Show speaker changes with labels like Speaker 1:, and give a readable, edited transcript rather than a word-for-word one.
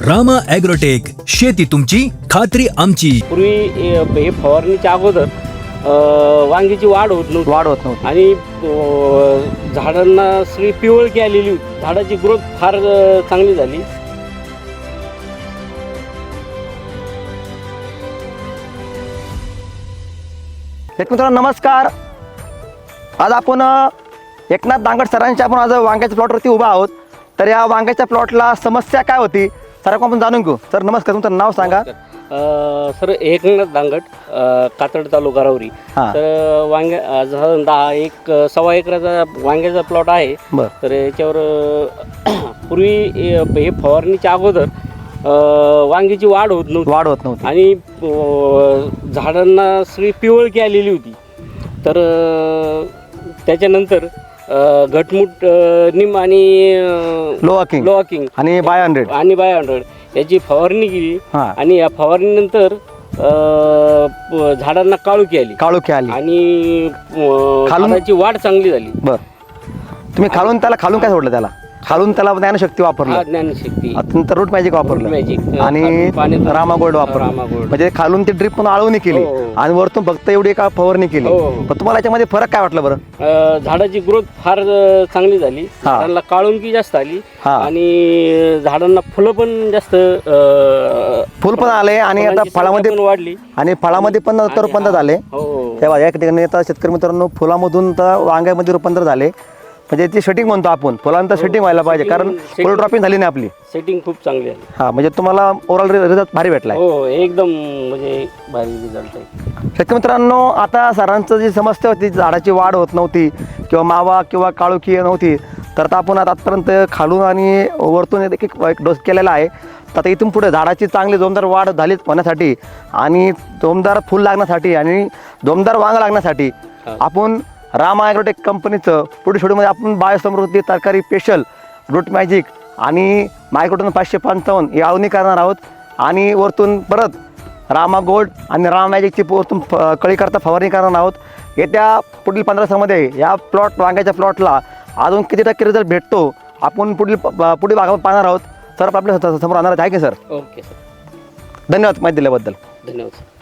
Speaker 1: Rama agrotech, शेती तुमची खात्री आमची.
Speaker 2: पूर्वी हे फवारणीच्या अगोदर वांगीची वाढ होत नव्हती आणि झाडांना सगळी पिवळकी आलेली होती. झाडाची ग्रोथ फार चांगली झाली.
Speaker 3: मित्रांनो नमस्कार. आज आपण एकनाथ दांगट सरांच्या आपण आज वांग्याच्या प्लॉटवरती उभा आहोत. तर या वांग्याच्या प्लॉटला समस्या काय होती सर आपण जाणून घेऊ. सर नमस्कार, तुमचं नाव सांगा.
Speaker 2: सर एकनाथ दांगट, कातड तालुका राहुरी. तर वांग्या साधारण सव्वा एकराचा वांग्याचा प्लॉट आहे. तर याच्यावर पूर्वी हे फवारणीच्या अगोदर वांगीची वाढ होत नव्हती आणि झाडांना सगळी पिवळकी आलेली होती. तर त्याच्यानंतर घटमुट निम आणि लोअकिंग
Speaker 3: आणि बाय 100
Speaker 2: याची फवारणी केली आणि या फवारणीनंतर झाडांना काळुकी आली आणि खालूनची वाढ चांगली झाली.
Speaker 3: तुम्ही खालून काय सोडलं त्याला? खालून त्याला ज्ञानशक्ती वापरलं,
Speaker 2: ज्ञानशक्ती
Speaker 3: नंतर रूट मॅजिक वापरलं आणि रामा गोल्ड वापरलं. म्हणजे खालून ती ड्रिप पण आळवणी केली आणि वरतून फक्त एवढी का फवारणी केली. पण तुम्हाला याच्यामध्ये फरक काय वाटलं बरं?
Speaker 2: झाडाची ग्रोथ फार चांगली झाली. झाडांना काळुंकी जास्त आली आणि झाडांना फुलं पण जास्त
Speaker 3: फुल पण आले आणि आता फळामध्ये पण
Speaker 2: वाढली
Speaker 3: आणि फळामध्ये पण रूपांतर झाले. तेव्हा या ठिकाणी आता शेतकरी मित्रांनो फुलामधून तर वांग्यामध्ये रूपांतर झाले. म्हणजे ती सेटिंग म्हणतो आपण, फुलांतर सेटिंग व्हायला पाहिजे कारण फुल ड्रॉपिंग झाली नाही आपली.
Speaker 2: सेटिंग खूप चांगली आहे.
Speaker 3: म्हणजे तुम्हाला ओव्हरऑल रिझल्ट भारी भेटलाय.
Speaker 2: हो एकदम म्हणजे भारी रिझल्ट आहे.
Speaker 3: शेतकरी मित्रांनो आता सरांचं जी समस्या होती झाडाची वाढ होत नव्हती किंवा मावा किंवा काळुकी नव्हती, तर आता आपण आतापर्यंत खालून आणि वरतून एक डोस केलेला आहे. तर आता इथून पुढे झाडाची चांगली जोमदार वाढ झाली होण्यासाठी आणि जोमदार फुल लागण्यासाठी आणि जोमदार वांग लागण्यासाठी आपण रामा ॲग्रोटेक कंपनीचं पुढील शेड्यूलमध्ये आपण बायोसमृद्धी तरकारी स्पेशल, रूट मॅजिक आणि मायक्रोटोन 555 ही आळवणी करणार आहोत. आणि वरतून परत रामा गोल्ड आणि रामा मॅजिकची वरतून कळी करता फवारणी करणार आहोत. येत्या पुढील 15 दिवसामध्ये या वांग्याच्या प्लॉटला अजून किती टक्के रिझल्ट भेटतो आपण पुढील भागामध्ये पाहणार आहोत. सर आपल्या समोर आणणार आहे की सर?
Speaker 2: ओके सर,
Speaker 3: धन्यवाद माहिती दिल्याबद्दल.
Speaker 2: धन्यवाद.